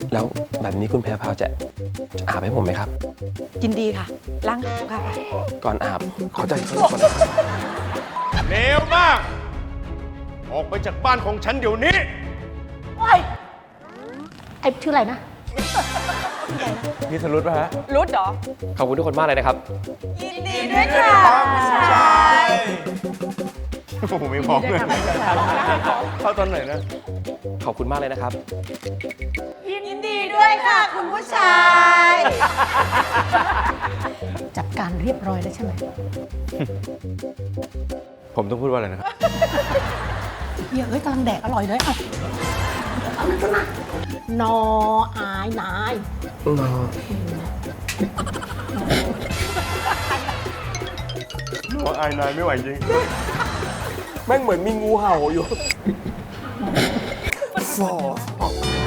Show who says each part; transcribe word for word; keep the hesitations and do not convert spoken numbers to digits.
Speaker 1: แล้วแบบนี้คุณแพรพราวจะจะอาบให้ผมไหมครับ
Speaker 2: ยินดีค่ะ ล้างค่ะ
Speaker 1: ก่อนอาบขอใจายก่อน
Speaker 3: เลวมาก ออกไปจากบ้านของฉันเดี๋ยวนี้
Speaker 4: โอ้ยไอ้ชื่ออะไรนะ
Speaker 5: พี่สรุปป่ะฮะ
Speaker 2: รุดเหรอ
Speaker 1: ขอบคุณทุกคนมากเลยนะครับ
Speaker 2: ยินดีด้วยค่ะผู้ชาย
Speaker 3: โอ้โหไม่พร้อมเลย
Speaker 5: เข้าตอนไหนนะ
Speaker 1: ขอบคุณมากเลยนะครับ
Speaker 2: ยินดีด้วยค่ะ คุณผู้ชาย
Speaker 4: จัดการเรียบร้อยแล้วใช่ไหม
Speaker 5: ผมต้องพูดว่าอะไรนะครับ
Speaker 4: เหี้ยเอ้ยกำลังแดกอร่อยเลยเอ่ะนออายนาย
Speaker 3: ว่าอายนายไม่ไหวจริง
Speaker 1: แม่งเหมือนมีงูเห่าอยู่
Speaker 5: ฟอ